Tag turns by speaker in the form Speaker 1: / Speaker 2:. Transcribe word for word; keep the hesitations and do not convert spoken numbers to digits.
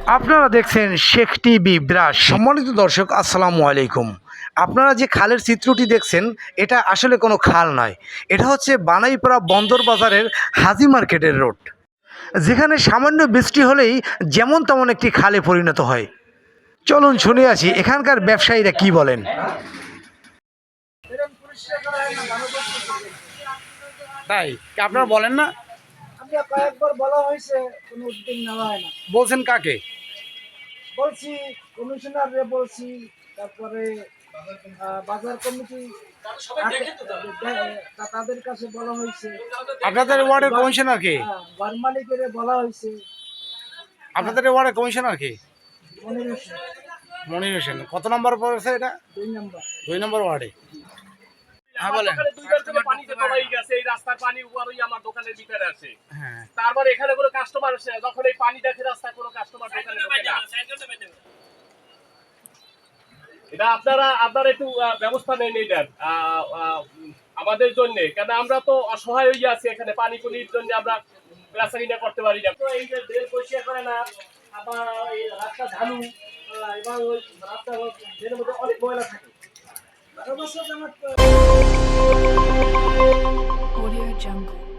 Speaker 1: আপনারা দেখছেন Sheikh TV brush. সম্মানিত দর্শক, আসসালামু আলাইকুম। আপনারা যে খালের চিত্রটি দেখছেন এটা আসলে কোনো খাল নয়, এটা হচ্ছে বানাইপাড়া বন্দর বাজারের হাজি মার্কেটের রোড, যেখানে সামান্য বৃষ্টি হলেই যেমন তেমন একটি খালে পরিণত হয়। চলুন শুনে আসি এখানকার ব্যবসায়ীরা কি বলেন। তাই আপনারা বলেন না?
Speaker 2: আমরা কয়েকবার বলা হয়েছে, কোনো উদ্যোগ নেওয়া হয় না।
Speaker 1: বলছেন কাকে?
Speaker 2: বলছি কমিশনারে বলছি, তারপরে আহ, বাজার কমিটি তাদের কাছে বলা হয়েছে।
Speaker 1: আপনাদের ওয়ার্ডের কমিশনার কে?
Speaker 2: হ্যাঁ, ঘর মালিকের বলা হয়েছে।
Speaker 1: আপনাদের ওয়ার্ডের কমিশনার কে?
Speaker 2: মনির হোসেন,
Speaker 1: মনির হোসেন। কত নম্বর পড়েছে এটা?
Speaker 2: দুই নম্বর।
Speaker 1: দুই নম্বর ওয়ার্ডে। হ্যাঁ বলেন।
Speaker 3: দুইবার থেকে পানিতে তলাই গেছে, এই রাস্তার পানি উপরই আমার দোকানের ভিতরে আছে।
Speaker 1: হ্যাঁ,
Speaker 3: তারপর এখানে কোনো কাস্টমার আসে না, যখন এই পানি দেখে রাস্তায় কোনো কাস্টমার দোকানে ঢোকে না। এটা আপনারা আপনারা একটু আহ, ব্যবস্থা নেন এটার আহ, আহ, আমাদের জন্য, কেন আমরা তো অসহায় হয়ে আছি এখানে পানি পুলির জন্য, আমরা বেচা কিনা করতে পারি না। তো এই যে ড্রেন পরিষ্কার করে না, আবার এই রাস্তা ঝালু, আহ, এবার ওই রাস্তা ড্রেনের মধ্যে অনেক ময়লা থাকে।
Speaker 2: বারো বছর আমার
Speaker 4: Audio Jungle.